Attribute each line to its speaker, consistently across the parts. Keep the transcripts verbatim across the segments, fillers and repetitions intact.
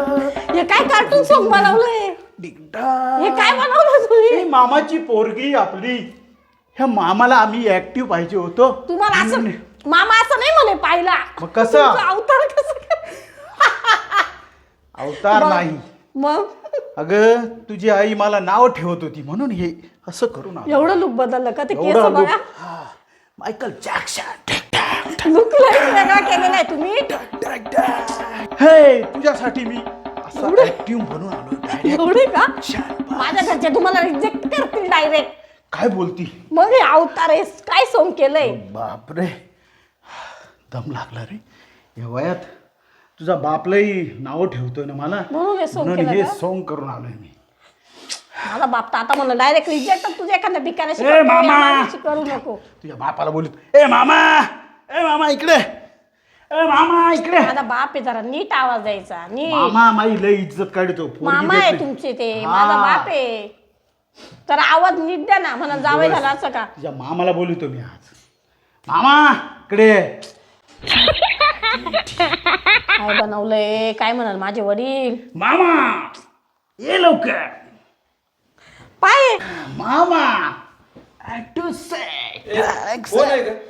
Speaker 1: हे काय cartoon song बनवलंय? हे काय बनवलं तुम्ही?
Speaker 2: मामाची पोरगी आपली, ह्या मामाला आम्ही ऍक्टिव्ह पाहिजे होतो.
Speaker 1: तुम्हाला असं मामा असं नाही म्हणे पाहिला.
Speaker 2: मग कसं?
Speaker 1: अवतार कसं
Speaker 2: अवतार नाही
Speaker 1: मग?
Speaker 2: अगं तुझी आई मला नाव ठेवत होती म्हणून हे असं करून आलो.
Speaker 1: एवढं लुक बदललं का? ते केस
Speaker 2: एवढं
Speaker 1: बघा.
Speaker 2: look. हा, मायकल जॅक्सन.
Speaker 1: लुक वेगळा केलेला आहे तुम्ही.
Speaker 2: हे तुझ्यासाठी मी असं ऍक्टिव्ह म्हणून आलो direct.
Speaker 1: एवढे का?
Speaker 2: शाबास.
Speaker 1: माझ्या घरचे तुम्हाला रिजेक्ट करतील डायरेक्ट.
Speaker 2: काय बोलती?
Speaker 1: मग हे अवतार आहे, काय सोंग केलंय?
Speaker 2: बापरे, दम लागला रे या वयात. तुझा बापलाही नाव ठेवतोय ना मला,
Speaker 1: म्हणून हे सोंग
Speaker 2: म्हणून
Speaker 1: केलं
Speaker 2: हे
Speaker 1: का?
Speaker 2: सॉन्ग करून आलोय मी.
Speaker 1: माझा बाप तर आता म्हणलं डायरेक्ट रिजेक्ट. तुझ्या एखाद्या भिकाऱ्याशी
Speaker 2: ए मामा,
Speaker 1: करू नको.
Speaker 2: तुझ्या बापाला बोलत, ए मामा, ए मामा इकडे, ए मामा इकडे.
Speaker 1: माझा बाप आहे, जरा नीट आवाज द्यायचा. नीट.
Speaker 2: मामा माझी लई इज्जत काढतो. पोरगी
Speaker 1: मामा आहे
Speaker 2: भेटली.
Speaker 1: तुमचे ते.
Speaker 2: हा.
Speaker 1: माझा बाप आहे. तर आवाज नीट द्या ना. म्हणा जावई झाला असं का?
Speaker 2: तुझ्या मामाला बोलतो मी आज. मामा इकडे.
Speaker 1: काय बनवलंय? काय म्हणाल माझे वडील?
Speaker 2: मामा ये लवकर.
Speaker 1: पाय
Speaker 2: मामा टू से
Speaker 3: कोण आहे का?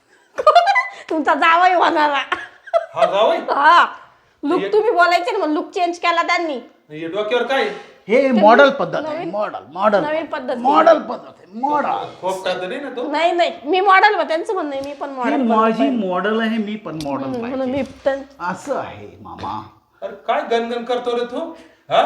Speaker 1: तुमचा जावई होणारा.
Speaker 3: हा जावई?
Speaker 1: हा लुक तुम्ही बोलायचे ना, मग लुक चेंज केला त्यांनी.
Speaker 3: हे डोक्यावर काय?
Speaker 2: हे मॉडल पद्धत आहे.
Speaker 1: नवीन-
Speaker 2: मॉडल मॉडल
Speaker 1: नवीन पद्धत.
Speaker 2: मॉडल पद्धत आहे. मॉडल
Speaker 3: खोपटा तर नाही ना तो?
Speaker 1: नाही नाही, मी मॉडेल ब त्यांचं म्हणणं आहे, मी पण
Speaker 2: ही
Speaker 1: मॉडेल
Speaker 2: माझी मॉडल आहे. मी पण मॉडल
Speaker 1: म्हणून
Speaker 2: पाहिजे.
Speaker 1: मी पण.
Speaker 2: असं आहे मामा.
Speaker 3: अरे काय गणगण करतो रे तू? हा?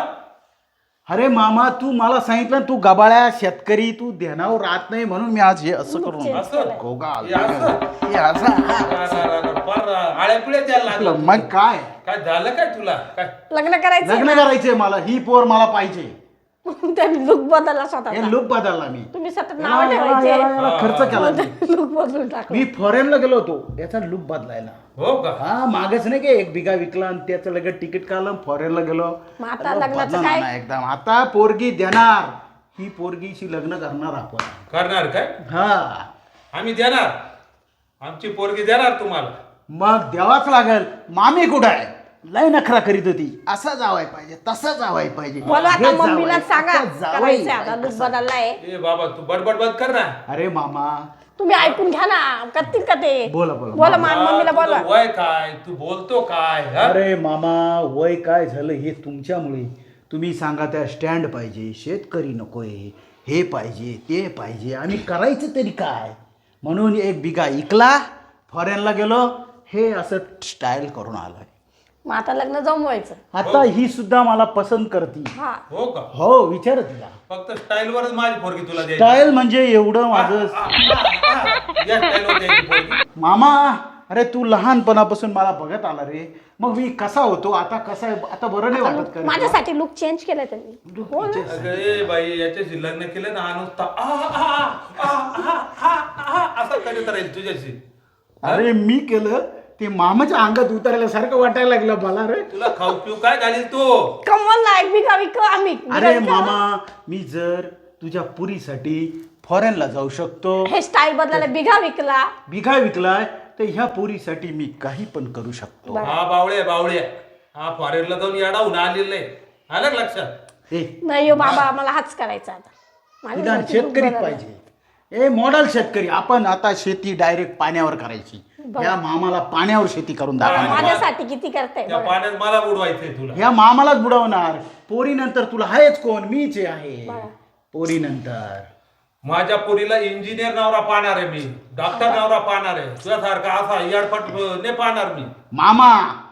Speaker 2: अरे मामा तू मला सांगितलं तू गबाळ्या शेतकरी, तू ध्यानावर राहत नाही म्हणून मी आज हे असं करून
Speaker 1: change
Speaker 3: असं?
Speaker 2: गोगा
Speaker 3: हे असं?
Speaker 2: हे असं.
Speaker 3: रा- रा- रा- रा- फार आळ्या पिळ्या द्यायला लागलं.
Speaker 2: मग काय
Speaker 3: काय झालं काय तुला? काय
Speaker 1: लग्न करायचं
Speaker 2: लग्न करायचंय मला. ही पोर मला पाहिजे.
Speaker 1: त्यांनी लुक बदलला
Speaker 2: हे
Speaker 1: स्वतः.
Speaker 2: लुक बदलला मी.
Speaker 1: तुम्ही सतत
Speaker 2: याला-
Speaker 1: नाव
Speaker 2: याला-
Speaker 1: ठेवायचे.
Speaker 2: याला- याला खर्च केला मी.
Speaker 1: लुक बदलून टाकलं.
Speaker 2: मी फॉरेनला गेलो होतो याचा लुक बदलायला.
Speaker 3: हो का?
Speaker 2: हा मागच नाही का एक बिघा विकला आणि त्याचं लगेच तिकीट काढलं फॉरेनला गेलो.
Speaker 1: मग आता
Speaker 2: अरे
Speaker 1: लग्नाचं
Speaker 2: बदला
Speaker 1: काय?
Speaker 2: ना एकदम. आता पोरगी देणार. ही पोरगीशी लग्न करणार आपण.
Speaker 3: करणार काय?
Speaker 2: हा
Speaker 3: आम्ही देणार. आमची पोरगी देणार तुम्हाला.
Speaker 2: मग द्यावाच लागल. मामी कुठं आहे? लय नखरा करीत होती. असा जावाय पाहिजे, तसा जावाय पाहिजे.
Speaker 1: बोला आता
Speaker 2: हे जावई,
Speaker 1: मम्मीला सांगा
Speaker 2: आता जावई
Speaker 1: करायचंय आता
Speaker 2: पाहिजे.
Speaker 1: लुक बदललाय.
Speaker 3: ए बाबा तू बडबड बंद कर ना.
Speaker 2: अरे मामा
Speaker 1: तुम्ही ऐकून घ्या ना, करतील का ते?
Speaker 2: बोला, बोला.
Speaker 1: बोला मा-
Speaker 3: हा,
Speaker 1: मम्मीला
Speaker 3: तुझं
Speaker 1: बोला.
Speaker 3: वय काय? तू बोलतो काय? हा?
Speaker 2: अरे मामा वय काय झालं हे तुमच्यामुळे. तुम्ही सांगा त्या स्टँड पाहिजे, शेतकरी नकोय, हे पाहिजे ते पाहिजे. आम्ही करायचं तरी काय? म्हणून एक बिघा इकला, फॉरेनला गेलो, हे असं स्टाईल करून आलोय.
Speaker 1: मग आता लग्न जमवायचं.
Speaker 2: आता ही सुद्धा मला पसंत करती.
Speaker 1: हा
Speaker 3: हो का?
Speaker 2: हो विचार तिला.
Speaker 3: फक्त स्टाईल वरच माझी पोरगी तुला द्यायची.
Speaker 2: स्टाईल म्हणजे एवढं माझं.
Speaker 3: हा, हा, हा. या स्टाईल वर द्यायची पोरगी.
Speaker 2: मामा अरे तू लहानपणापासून मला बघत आला रे. मग मी कसा होतो आता कसा आहे आता बरं नाही वाटत का रे?
Speaker 1: माझ्यासाठी लुक चेंज केलाय त्यांनी. हो ना?
Speaker 3: अगं ए बाई याच्याशी लग्न केलं ना हा नुसता आ, आ, आ, आ, आ, आ, आ, असं करीत राहील तुझ्याशी.
Speaker 2: अरे मी केलं ते मामाच्या अंगात उतरल्यासारखं वाटायला लागलं मला रे.
Speaker 3: तुला खाऊ पिऊ काय घालील तू?
Speaker 1: कमल नाही बिका विक आम्ही.
Speaker 2: अरे मामा मी जर तुझ्या पुरीसाठी फॉरेनला जाऊ शकतो,
Speaker 1: हे स्टाईल बदलायला बिघा विकला.
Speaker 2: बिघा विकलाय, तर ह्या पुरीसाठी मी काही पण करू शकतो.
Speaker 3: हा बावळे बावळे हा फॉरेनला जाऊन येडावून आलेलं नाही. आलं का लक्षात?
Speaker 2: हे
Speaker 1: नाही हो बाबा, मला हाच करायचा आता. माझ्या
Speaker 2: निदान
Speaker 1: घरचे look
Speaker 2: शेतकरीच
Speaker 1: बदलले.
Speaker 2: पाहिजे. ए मॉडल शेतकरी. आपण आता शेती डायरेक्ट पाण्यावर करायची. या मामाला पाण्यावर शेती करून दाखवणार.
Speaker 1: माझ्यासाठी किती करताय
Speaker 3: त्या
Speaker 1: बघा.
Speaker 3: पाण्यात मला बुडवायचंय तुला.
Speaker 2: ह्या मामालाच बुडवणार. पोरी नंतर तुला आहेच कोण? मीच आहे. पोरी नंतर
Speaker 3: माझ्या पोरीला इंजिनियर नवरा पाहणार आहे मी, डॉक्टर नवरा पाहणार आहे. तुझ्यासारखा असा येडपट नाही पाहणार मी.
Speaker 2: मामा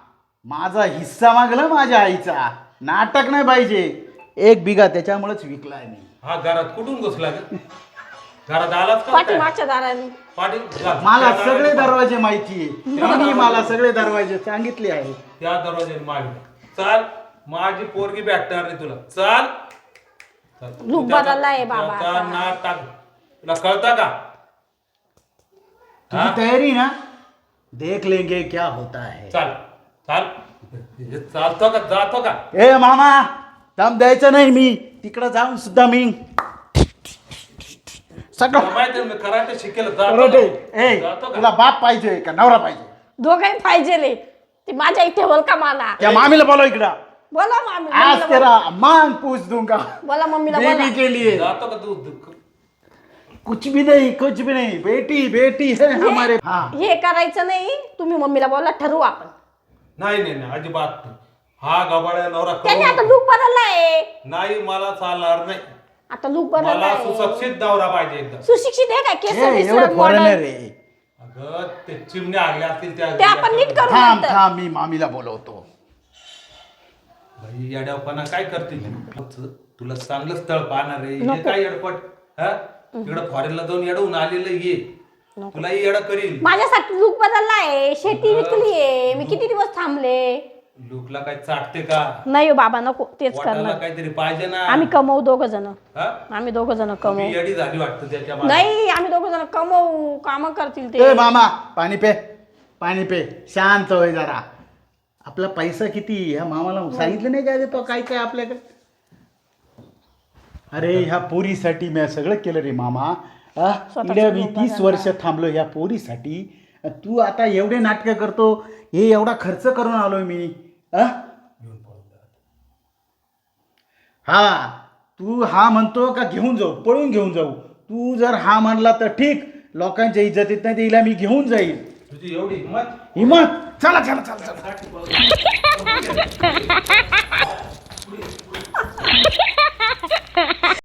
Speaker 2: माझा हिस्सा मागला माझ्या आईचा. नाटक नाही पाहिजे. एक बिघा त्याच्यामुळेच विकलाय मी.
Speaker 3: हा घरात कुठून घुसला ग? घरात आलाच का?
Speaker 1: पाठी
Speaker 3: काय?
Speaker 1: मागच्या दाराने.
Speaker 3: पाठी
Speaker 2: मला
Speaker 3: त्या
Speaker 2: सगळे
Speaker 3: दरवाजे-
Speaker 2: दरवाजे माहितीये. त्यांनी मला सगळे दरवाजे सांगितले आहे.
Speaker 3: त्या दरवाजे मागे चाल. माझी पोरगी भेटणार नाही तुला. चाल. चल.
Speaker 1: लूक
Speaker 3: तू त्याचा-
Speaker 1: बदललाय बाबा
Speaker 3: त्याचा
Speaker 1: आता.
Speaker 3: नाद टाक. तुला कळतं का?
Speaker 2: तुझी तयारी ना? देख लेंगे क्या होता है.
Speaker 3: चाल चाल. हे चालतो का जातो का?
Speaker 2: ए मामा दम द्यायचं नाही. मी तिकडं जाऊन सुद्धा मी सगळं
Speaker 3: तुला माहिती आहे मी कराटे शिकेल. जातो
Speaker 2: कराटे.
Speaker 3: का?
Speaker 2: ए
Speaker 3: जातो का?
Speaker 2: तुला बाप पाहिजे का नवरा पाहिजे?
Speaker 1: दोघंही पाहिजे रे. ते माझ्या इथे ठेवल का मला?
Speaker 2: त्या मामीला बोलव इकडं.
Speaker 1: बोला मामी
Speaker 2: आज
Speaker 1: मम्मीला बोला.
Speaker 2: तेरा मांग पूछ दूंगा
Speaker 1: बोला मम्मीला बोला
Speaker 2: बेबी के लिए
Speaker 3: जातो का तू
Speaker 2: कुछ भी नहीं कुछ भी नहीं बेटी बेटी है हमारे हाँ
Speaker 1: हे करायचं नाही तुम्ही मम्मीला बोला ठरवू आपण
Speaker 3: नाही नाही नाही अजिबात नाही. हा गबाळ्या नवरा
Speaker 1: त्याने आता
Speaker 3: करू
Speaker 1: लूक बदललाय
Speaker 3: नाही मला चालणार नाही.
Speaker 1: आता लूक
Speaker 3: मला
Speaker 1: बदललाय
Speaker 3: सुशिक्षित नवरा पाहिजे एकदम.
Speaker 1: सुशिक्षित आहे काय केस
Speaker 2: हे
Speaker 1: बिस
Speaker 2: एवढे
Speaker 1: modern.
Speaker 2: फॉरेनर आहे
Speaker 3: अगं ते चिमण्या आल्या असतील त्या
Speaker 1: ते आपण नीट करू
Speaker 2: थांब
Speaker 1: नंतर.
Speaker 2: थांब मी मामीला बोलवतो
Speaker 3: भाई येड्यापणा काय करते तू? तुला चांगलं स्थळ पाहणार आहे हे
Speaker 1: नको.
Speaker 3: काय येडपट हा तिकडं फॉरेनला जाऊन येडवून आलेलं ये तुलाही येडा करील.
Speaker 1: माझ्यासाठी लूक बदललाय शेती विकलीये मी किती दिवस थांबले
Speaker 3: लुकला काय चाटते का?
Speaker 1: नाही हो बाबा नको तेच
Speaker 3: वाटायला
Speaker 1: करणार
Speaker 3: काहीतरी पाहिजे ना.
Speaker 1: आम्ही कमवू दोघ जण
Speaker 3: हा?
Speaker 1: आम्ही दोघ जण
Speaker 3: ती
Speaker 1: कमवू
Speaker 3: येडी झाली वाटतं त्याच्या मागे.
Speaker 1: नाही आम्ही दोघ जण कमवू काम करतील
Speaker 2: ए
Speaker 1: ते
Speaker 2: मामा पाणी पे पाणी पे शांत होय जरा आपला पैसा किती ह्या मामाला सांगितलं नाही काय देतो काय काय आपल्याकडे अरे ह्या पोरीसाठी मी सगळं केलं रे मामा आ, इकडे मी तीस वर्ष थांबलो ह्या पोरीसाठी तू आता एवढे नाटकं करतो हे एवढा खर्च करून आलोय मी आ? हा तू हा म्हणतो का घेऊन जाऊ पळून घेऊन जाऊ तू जर हा म्हणला तर ठीक लोकांच्या इज्जतीत नाही तिला मी घेऊन जाईल
Speaker 3: तुझी एवढी हिंमत
Speaker 2: हिम्मत चला चला चला चला